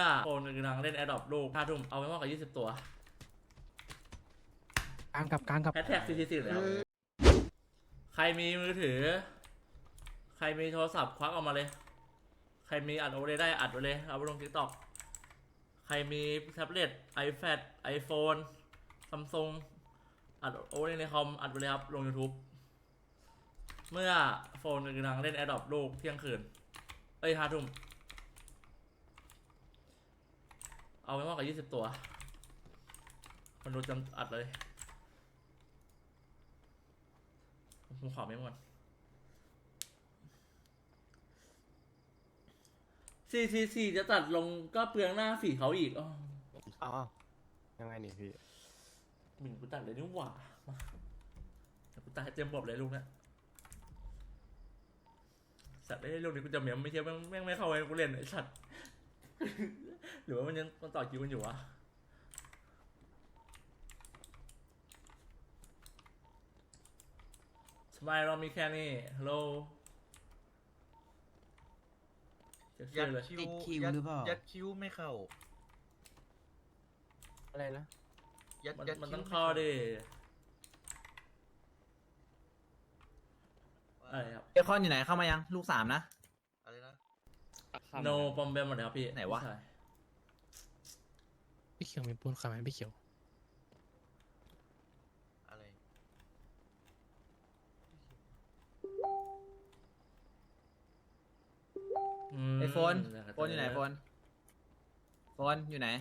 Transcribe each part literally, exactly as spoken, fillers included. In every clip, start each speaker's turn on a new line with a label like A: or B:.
A: โฟนกำลังเล่นแอดดอปลูกห้าทุ่มเอาไว้มากกว่ายี่สิบตัว
B: กลางกับกลางกับ
A: แฮชแท็กซีซีซีเลยครับใครมีมือถือใครมีโทรศัพท์ควักออกมาเลยใครมีอัดโอเวอร์ได้อัดไว้เลยเอาไปลงทิกตอกใครมีแท็บเล็ต iPad iPhone Samsung อัดโอเวอร์ในคอมอัดไปเลยครับลง YouTube เมื่อโฟนกำลังเล่นแอดดอปลูกเที่ยงคืนเอ้ยห้าทุ่มเอาไว้มากกว่ายี่สิบตัวคนดูจำอัดเลยผมขอไม่หมดซีซีซีจะตัดลงก็เปลืองหน้าฝีเขาอีกอ๋อ
B: อ๋อยังไงนี่พี่
A: หมิ่นกูตัดเลยนี่หว่ามากูตัดให้เต็มบบเลยลูกนะสัตว์ได้ลูกนี้กูจะเมียมไม่ใช่แม่งแม่งไม่เข้าไปกูเล่นไอ้สัตว์หรือว่ามันยังมันต่อคิวกันอยู่วะสบายเรามีแค่นี้ฮัลโหล
C: ยัดคิวคิวหรือเปล่ายัดคิวไม่เข้า
B: อะไรนะ
A: ยัดยัดมันต้องเข้าดิอะไรครับ
D: เบคอนอยู่ไหนเข้ามายังลูกสามนะ
C: อะไรนะ
A: โนปอมเบมหมดแล้วพี่
D: ไหนวะ
B: พี่เขียวมีปูนขายไหมพี่เขียว
C: อะไร
D: ไอโฟนโฟนอยู่ไหนโฟนโฟนอยู่ไหน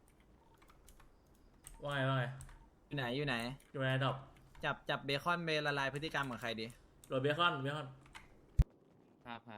A: ว่าไงว่าไง
D: อยู่ไหนอยู่ไหน
A: อยู่ในดอก
D: จับจับเบคอนเบละลายพฤติกรรมของใครดี
A: โหลดเบคอนเบคอน
D: ครับครับ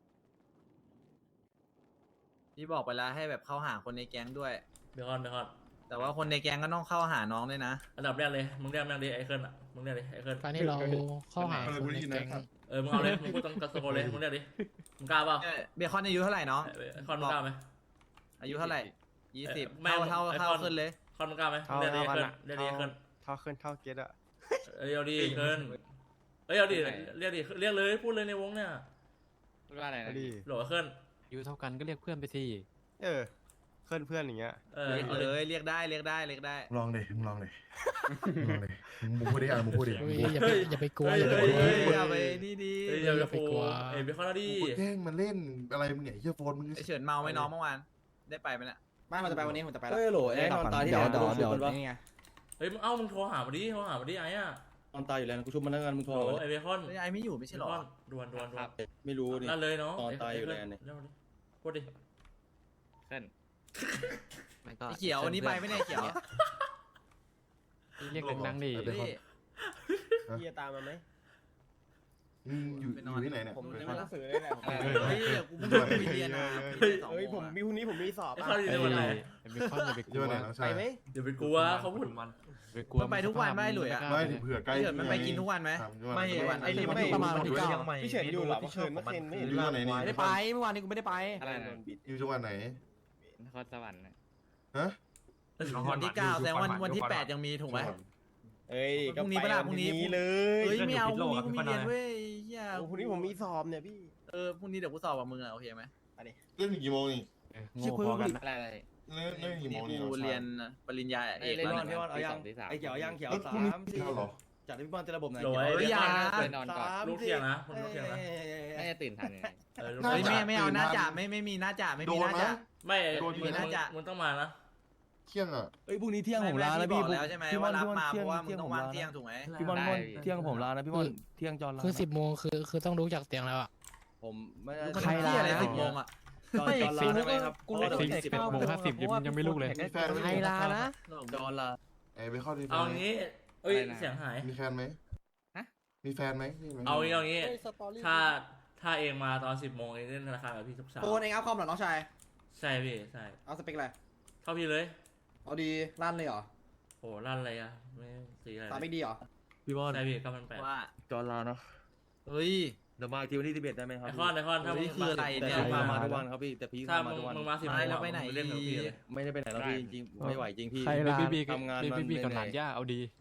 D: พี่บอกไปแล้วให้แบบเข้าหาคนในแก๊งด้วย
A: เบคอนเบคอน
D: แต่ว่าคนในแก๊งก็ต้องเข้าหาน้องด้วยนะ
A: อันดับแรกเลยมึงเรียกแม่งดิไอเคิลอ่ะมึงเรียกดิไอเคิล
B: การที่เราเข้าหาคนในแก๊ง
A: เออมึงเอาเลยมึงพูดต้องกระโดดเลยมึงเรียกดิมึงกล้าเปล่า
D: เบคอนอายุเท่าไหร่น้อง
A: คอนมึงกล้าไหม
D: อายุเท่าไหร่ยี่สิบเท่าเท่าเท่าขึ้นเลย
A: คอนมึงกล้าไหมเรียกดิไอเคิลเรียกดิไอเคิล
B: เท่าขึ้นเท่าเกตอะ
A: เอ้ยเอาดิเคิลเอ้ยเอาดิเรียกดิเรียกเลยพูดเลยในวงเนี่ย
D: ว่าอะไรนะ
A: โหลเคิล
B: อายุเท่ากันก็เรียกเพื่อนไปสิเออเพื่อนเพื่อนอย่างเงี้ย
D: เรียกเลยเรียกได้เรียกได้เรียกได้
E: ลองเลยมึงลองเลยลองเลยมึงพูดดิอ่ะมึงพูดดิ
B: อย่าไปอย่าไปกลัวอย่าไปกลัว
D: อย่าไปนี่ดี
A: อย่าไปกลัวเอ้ยเบคอนดิ
E: แกล้งมันเล่นอะไรมึงเนี่ยเฮียโฟนมึง
D: เฉินเมาไหมน้องเมื่อวานได้ไปไหมเนี่ย
F: ไม่มันจะไปวันนี้ผมจะไปแล้ว
C: เฮ้ยโหลไอ้ตอนตายที่แล้ว
F: เดี๋ยวเดี๋ยวนี่ไง
A: เฮ้ยมึงเอ้ามึงโทรหามาดิโทรหามาดิไอ้อะ
C: ตอนตายอยู่แล้วกูชุบมันแล้วกันมึงโทร
A: ไอ้เบคอน
D: ไอ้ไม่อยู่ไม่ใช่หรอ
A: ดวนดวนดวน
C: ไม่รู้นี่
A: นั่นเลยเนาะ
C: ตอนตายอยู่แล้วนี่
A: พูดดิ
D: ขึ้นเขียวอันนี้ไปไม่ได้เขียว
B: เรียกดังๆดิ
F: เฮียตามมาไหม
E: อยู่อยู่ที่ไหนเนี่ย
F: ผมจะมาหนังสือเลยแหละ
D: เฮ้ยกูไม่ไปเรียนนะ
F: เฮ้ยผมมีพรุ่งนี้ผมมีสอบ
A: อ่ะเขาอยู่ในวันไหน
B: เบคอนอย่าไปกลัว
F: ไปไหม
A: อย่าไปกลัวเขาพูด
D: มันมันไปทุกวันไม่หลุยอ่ะ
E: ไม่ถึงเผื่อใกล้
D: มันไปกินทุกวันไหม
F: ไม่วันไอ้นี่ไม่ประมาณวันที่เก้าพี่เฉินอยู่หรอพี่เฉินเมื่อคืนไม่
E: อยู่วันไหนนี่
F: ไม่ได้ไปเมื่อวานนี้กูไม่ได้ไป
D: อะไร
E: อยู่จังหวัดไหน
D: นครสวรรค์
E: ฮะ
D: วันที่เก้าแต่วันวันที่แปดยังมีถูกไหม
F: เอ้ย
D: พรุ่งนี้เปล่าพรุ่งนี้
F: เลย
D: เฮ้ยไม่เอาพรุ่งนี้กูมีเรียนเว้ยเฮีย
F: พรุ่งนี้ผมมีสอบเนี่ยพี่
D: เออพรุ่งนี้เดี๋ยวกูสอบกับมึงอ่ะโอเคไหม
F: ไปดิ
E: เล่นกี่โมงนี่
B: โง่พอกัน
D: อะไรอะไร
E: เล่นเล่นกี่โมงนี่
D: กูเรียนปริญญา
F: เอกเล่นบอลพี่บอลเอายังไอ้เขียวยังเขียวสามสี่จัดพี่บอลจะระบบไหน
A: โหลไอ้ยาลูกเที่ยงนะลูกเที่ยงนะ
D: ไม่จะตื่นทันไงไม่ไม่เอาหน้าจ่าไม่ไม่มีหน้าจ่าไม่มีหน้าจ่า
A: ไม่มีหน้าจ่ามึงต้องมานะ
E: เที่ยงอ่ะ
F: เอ้ยพรุ่งนี้เที่ยงผมลาแล้วพี่
D: แล้วใช่ไหมว่ารับมาเพราะว่ามึงต้องว่างเที่ยงถูกไหม
F: พี่บอลเที่ยงผมลานะพี่บอลเที่ยงจอนลา
B: คือสิบโมงคือคือต้องลุกจากเตียงแล้วอ่ะ
F: ผมไม่
D: ใครลาอะไรสิบโมงอ่ะ
F: ไม่จอนลาได้ไหมครับ
B: กูรู้สิบสิบโมงห้าสิบยังไม่ลุกเลย
F: ใครลานะจอนลา
E: ไอ้ไปเข้าดี
A: เอางี้เอ้ยเสียงหาย
E: มีแฟนไหมฮะมีแฟนไหม
A: เอางี้เอางี้ถ้าถ้าเองมาตอนสิบโมงเองเล่นธนาคารกับพี่ทุกเช้า
F: โฟนเองเอาคอมเหรอน้องชาย
A: ใช่พี่ใช่
F: เอาสเปคอะไร
A: เข้าพี่เลย
F: เอาดีลั่นเลยเหรอ
A: โอ้ลั่นอะไรอ่ะไม่สีอะไร
F: ตาไม่ดีเหรอ
C: พี่บอล
A: ใช่พี่เก้าพันแปด
D: ว่า
C: จอนลาเนาะ
D: เฮ้ย
C: เดี๋ยวมาทีวันที่สิบเอ็ดได้ไหมครับ
A: ไอคอนไอคอนถ้ามึง
D: คืออะไรเนี่ย
C: มามาทุกวันครับพี่แต่พี่
A: ถ้ามึงมึงมาสิบโมง
D: แล้วไปไหน
A: เล่นกับพี่เลย
C: ไม่ได้ไปไหนแล้วพี่จริงๆไม่ไหวจริงพี่
B: ทำงานพี่พี่กับหลานย่าเอาดี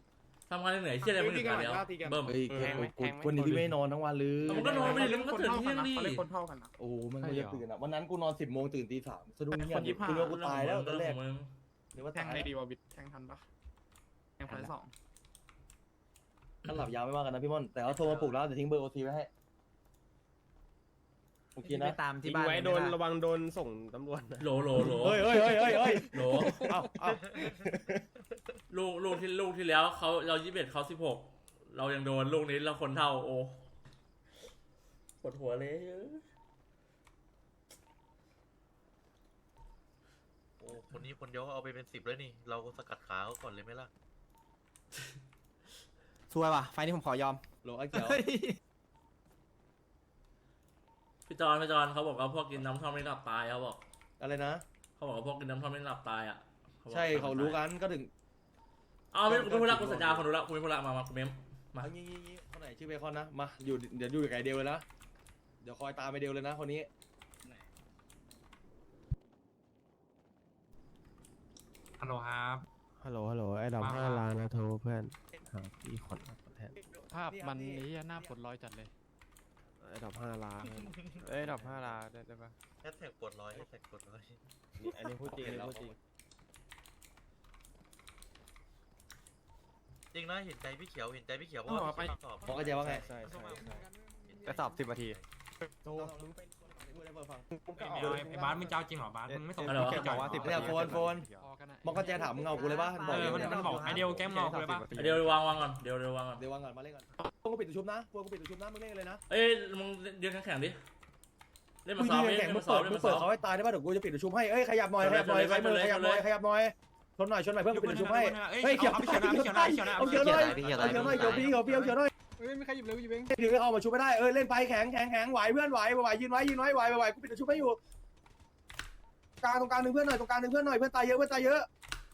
A: ทำงานเหนื่อยเชี่ยอะไรมันถึงกันแล้วเบิ่ม
F: เฮ้ยวันนี้พี่ไม่นอนทั้งวันเลย
A: มันก็นอนไปดิแล้วมันก็ตื่นเที่ยงดิ
G: คนเท่ากันนะ
F: โอ้มันไม่ได้ตื่นอ่ะวันนั้นกูนอนสิบโมงตื่นตีสามสะดุ้งเงียบกูรู้ว่ากูตายแล้วตอนแรก
A: มึง
F: หรือว่า
G: แท
F: ตาง ย
G: ในดีวอบิดแทงทันปะแทงไฟสอง
F: ถ้าหลับยาวไม่ว่ากันนะพี่ม่อนแต่ว่าโทรมาปลุกแล้วแต่ทิ้งเบอร์โอทีไว้ให้โอเค
D: ไป
F: นะ
D: ตามที่บ้าน
H: ไว้โดน
D: ไม่ไ
H: ระวังโดนส่งตำรวจนะ
A: โหลโหลโหล
F: เฮ้ยเฮ้ยเฮ้ยเฮ้ยเฮ้ย
A: โหล
F: เอ้าเอ้า
A: ลูกลูกที่ลูกที่แล้วเขาเรายี่สิบเอ็ดเขาสิบหกเรายังโดนลูกนี้เราคนเท่าโอ้ปวดหัวเลย
C: โอ้คนนี้คนเดียวเอาไปเป็นสิบแล้วนี่ เราสกัดขาเขาก่อนเลยไหมล่ะ
H: ซวยว่ะไฟนี้ผมขอยอม
F: โหลไอ้เขียว
A: พี่จอนพี่จอนเขาบอกว่าพวกกินน้ำท่อมไม่หลับตายเขาบอก
F: อะไรนะ
A: เขาบอกว่าพวกกินน้ำท่อมไม่หลับตายอ่ะบอก
F: ใช่เขารู้กันก็ถึง
A: เอาไม่คุณพูดละคุณสัญญาคนรู้ละคุณไม่พูดละมามาคุณเมมมา
F: เอางี้งี้งี้คนไหนชื่อเบคอนนะมาอยู่เดี๋ยวอยู่กับไอเดียวเลยนะเดี๋ยวคอยตามไอเดียวเลยนะคนนี้
G: ฮัลโหลครับ
H: ฮัลโหลฮัลโหลไอ้ดอกห้าล้านนะโทรเพื่อนหาพี่ขอนแทน
B: ภาพมันนี้หน้าปวดร้อยจัดเลย
H: ไอ้ดอกห้าล้านเอ้ยดอกห้าล้านได้ได้ปะ
C: แฮชแท็กปวดร้อยแฮชแท็กปวดร้อย
H: นี่อันนี้พูดจริงอันนี้พูดจริง
C: จริงนะเห็นใจพี่เขียวเห็นใจพี่เขียวเพราะว่าพี่ตอบ
F: บอกไอเดียว่าไง
H: ใช่ใช่ใช่
G: ไปสอบสิบนาที
F: โทรมึงไปพูดให้เบอร์ฟัง
G: ไอ้บาสมึงเจ้าจริงเหรอบาสมึงไม่ส่ง
A: อะไรวะ
G: เกี่ยวกับว่าสิบ
F: เนี่ยโฟนโฟน
B: พอกันนะ
F: บอกก็แจถามมึงเอากูเลยป่ะบ
G: เอ
F: อก
G: อมันมันบอกไอเดียวแก้มงอกูเลยปะ
A: เดี๋ยววางวางก่อนเดี๋ยวเดี๋ยววางก่อน
F: เดี๋ยววางก่อนมาเล่นก่อนพวกกูปิดตัวชุบนะพวกกูปิดตัวชุบนะมึงเล่นกันเลยนะ
A: เอ้ยมึงยืนแข็งๆดิเล่น
F: มึ
A: มาง ซ้อม
F: ยื
A: ดิ
F: นแข่ง
A: เล่น
F: มึ
A: มาง ซ้อ
F: เปิ
A: ม
F: ด
A: เล่น
F: มึง
A: มา
F: เปิ
A: ซ้
F: ด
A: อม
F: เขาให้ตายได้ป่ะเดี๋ยวกูจะปิดตัวชุบให้เอ้ยขยับหน่อยขยับหน่อย
A: ชนเลย
F: ใครมือ
A: ชนเลย
F: ขยับหน่อย
A: ชนเลย
F: ขยับหน่อยชนหน่อยชนหน่อยเพื่อนกูปิดตัวชุบให้
G: เฮ้
F: เฮ้
G: ย
F: ย
G: เขี
F: เขี
G: ย
F: ยว ว
G: พี่เขียวนะพี่เขียวนะพี่เขียวนะ
F: เอาเขียวหน่อยเอาเขียวหน่อยเขียวพี่เขียวพี่เอาเขียวหน่อย
G: เฮ้ยไม่ใครหยิบเลยหยิบเอง
F: ถือเข้ามาชุบไม่ได้เออเล่นไปแข็งแข็งแข็งไหวเพื่อนไหวไหวยืนไว้ยืนไว้ไหวไหวกูปิดตัวชุบให้อยู่กลางตรงกลางหนึ่งเพื่อนหน่อยตรงกลางหนึ่งเพื่อนหน่อยเพื่อนตายเยอะเพื่อนตายเยอะ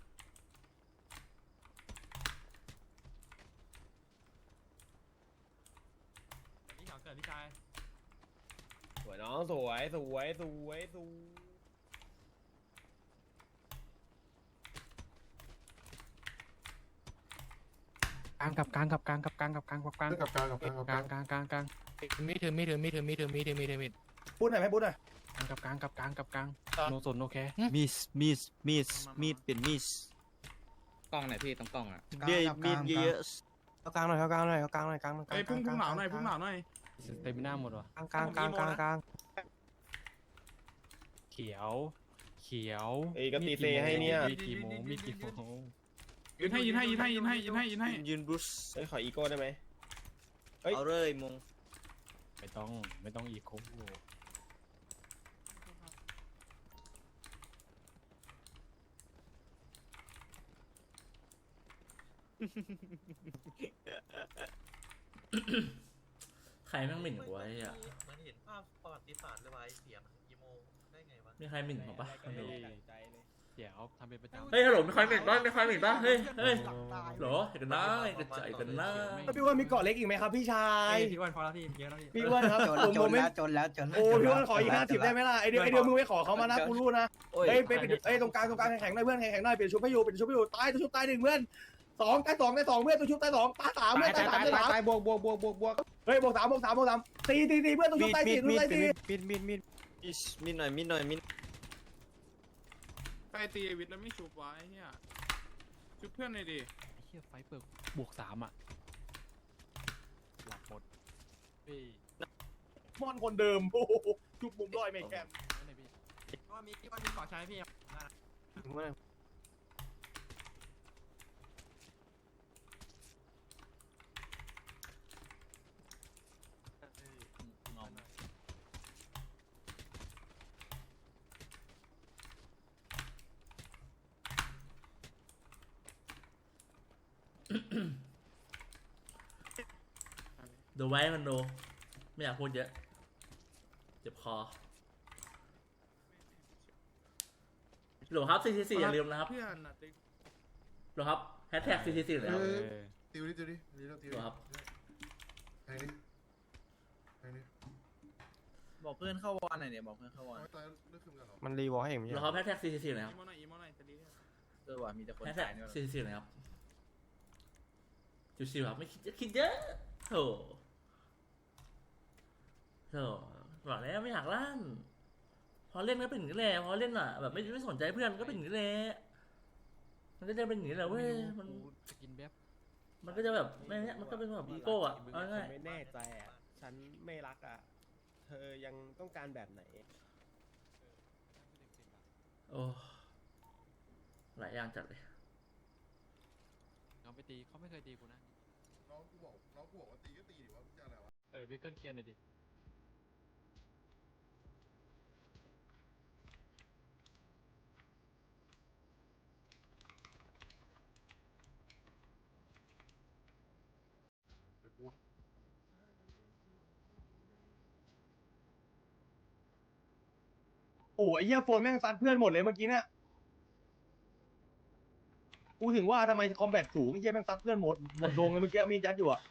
G: พี่เขียวเกิดพี่ชาย
H: สวยน้องสวยสวยสวยสวย
B: กลางกับกลางกับกลางกับกลางกับกลางกับกลาง
E: กับการกับการกับ
B: ก
E: กา
B: ลาร งกลางกลางกลาง
I: มีถือมีถือมีถือมีถือมีถือมีถือมี
F: พูดหน่อยไหมพูดหน่อย
B: กลางกับกลางกับกลางกับกลางโนสนโนแค
J: มิสมิสมิสมีดเป็นมิส
I: กล้องไหนพี่ตรงกล้องอ่ะ
J: เดียมีดเยอะ
H: เอากลางหน่อยเอากลางหน่อยเอากลางหน่อยกลางหน่อย
G: ไอ้พุ่งพุ่งหนาวหน่อยพุ่งหนาวหน่อย
B: เต็มหน้าหมดวะ
H: กลางกลางกลางกลางกลาง
B: เขียว เขียว
H: เอ้ยก็ตีเซให้เนี่ย
B: มีกี่โมงมีกี่โมง
G: ยืนให้ยืนให้ยืนให้ยืนให้ยืนให้ยืนให้
J: ยืนบรูซ
H: เอ้ยขออีโก้ได้ไหม เฮ้ย
J: เอาเลยมง
B: ไม่ต้องไม่ต้องอีกโค้ง
A: ใครแม่งหมิ่นกูวะไอ้เหี้ย
C: เหมือนเห็นภาพประวัติศาสตร์เลยว่ะไอ้เสียงอีโมได้ไงวะ
A: มีใครหมิ่นผมปะไม่รู้
B: เขียวทำเป็นประจำ
A: เฮ้ยฮัลโหลมีใครหมิ่นปะมีใครหมิ่นปะเฮ้ยเฮ้ยโหลเห็นกันนะกระจายกันนะ
F: พี่อ้วนมีเกาะเล็กอีกไหมครับพี่ชาย
G: พี่อ้วนพอแล้วพี่เยอะแล้วพี่
F: พี่อ้วนครับ
J: จน
F: ผม
J: จ
F: ผ
J: น
F: มไม่
J: แล้วจนแล้วจน
F: โอ้พี่อ้วนขออีกห้าสิบได้ไหมล่ะไอเดียวไอเดียวมึงไม่ขอเขามานะกูรู้นะเฮ้ยไปปิดเอ้ยตรงกลางตรงกลางแข็งๆหน่อยเพื่อนแข็งๆหน่อยปิดชุบให้อยู่ปิดชุบให้อยู่ตายตัวชุบตายหนึ่งเพื่อนสองตายสองตายสองเพื่อนตัวชุบตายสองตายสามเพื่อนตายสามตายสาม
H: ตายบวกบวกบวกบวกบวก
F: เฮ้ยบวกสามบวกสามบวกสามตีตีตีเพื่อนตัวชุ
J: มี
F: บ
J: ด
F: ตาย
J: มี
F: สี่
J: ด
F: ตัว
J: มีด
F: ตายสี่
J: มีดมีดมีดมีดหน่อยมีดหน่อยมีด
G: ไปตีวิทย์แล้วไม่ชูบไว้เนี่ยชุบเพื่อนหน่อยดิ
B: ไอ้เหี้ยไฟเปิดบวกสามอ่ะหลับหมดเฮ้ย
F: มอนคนเดิมโอ้โหชุบมุมร้อยไม่แคม
B: ไม่ได้พี่
G: ว่ามีว่ามีขอใช้พี่
A: ดูไว้มันดูไม่อยากพูดเยอะเจ็บคอโหลครับ ซี ซี ซี อย่าลืมนะครับ
G: เพื่อนอ่ะติ๊ก
A: โหลครับแฮชแท็ก ซี ซี ซี เลยครับ
E: ติวดิติวดินี่เราติว
A: โหลครับ
E: ไอ้นี่ไอ้นี่
D: บอกเพื่อนเข้าวอนหน่อยเนี่ยบอกเพื่อนเข้าวอน
E: เอาตายเลือกขึ้นกันหรอ
H: มันรีวอลให้เองไม่
A: โหล
H: ใช่
A: ครับแฮชแท็ก ซี ซี ซี เลยครับ
G: อีโมหน่อยอีโมหน่อยจะดี
D: เออว่ะมีแต่คน
A: แฮชแท็ก
D: ตายเนี่ย
A: ซี ซี ซี เลยครับชิวๆครับไม่คิดคิดเยอะโถโถบอกแล้วไม่อยากลั่นพอเล่นก็เป็นอย่างนี้แหละพอเล่นอ่ะแบบไม่ไม่สนใจเพื่อนก็เป็นอย่างนี้แหละมันก็จะเป็นอย่างนี้แหละเว้ยมัน
B: จะกินแบบ
A: มันก็จะแบบไม่เนี้ยมันก็เป็นแบบอีโก้อ่ะเอาง่าย
H: ไม่แน่ใจอ่ะ ฉันไม่รักอ่ะ เธอยังต้องการแบบไหน
A: โอ้หลายอย่างจัดเลย
B: เอาไปตีเขาไม่เคยตีกูนะ
E: น้องกูบอกน้องกูบอกว่าตีก็ตีดิว่ามึงจะอะไรวะ
B: เออวิกเกิลเคลียร์หน่อยดิ
F: โอ้ยเหี้ยโฟนแม่งซัดเพื่อนหมดเลยเมื่อกี้เนี่ยกูถึงว่าทำไมคอมแบทสูงไอ้เหี้ยแม่งซัดเพื่อนหมดหมดโรงเลยเมื่อกี้มียัดอยู่อะ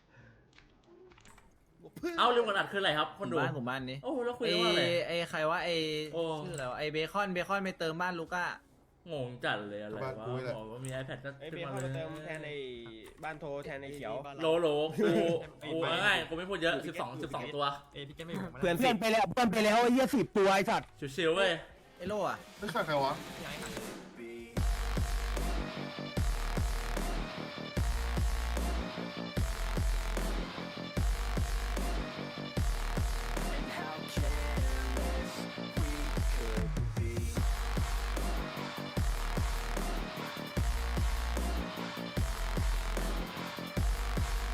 A: เอาเรื่องกดอัดคืออะไรครับคนดู
D: บ้านผมบ้านนี้
A: โอ้แล้วคุย
D: ไอ้
A: ว่าอะไร
D: ไอ้ใครวะไอ้
A: โอ้
D: ชื่ออะไรวะไอ้เบคอนเบคอนไปเติมบ้านลูก้าง
A: งจัดเลยอะไรวะบอกว่ามี iPad ก็
H: ไอ้
A: ขึ้
H: เบ
A: นมา
H: คอน
A: เล
H: มาย เติมแทนไอ้บ้านโทแทนไอ้เขียว
A: โลโลกูกูง่ายๆกูไม่พูดเยอะสิบสองสิบสองตัว
C: เอ้ยพี่แกไม่บอกมา
H: เพื่อน
F: เพื่อนไปแล้วเพื่อนไปแล้วไอ้เหี้ยสิบตัวไอ้สัตว์
A: ชิวๆเว้ย
D: ไอ้โล่อะ
E: ไม่ใช่ใครวะ
C: พี่ไอ้หา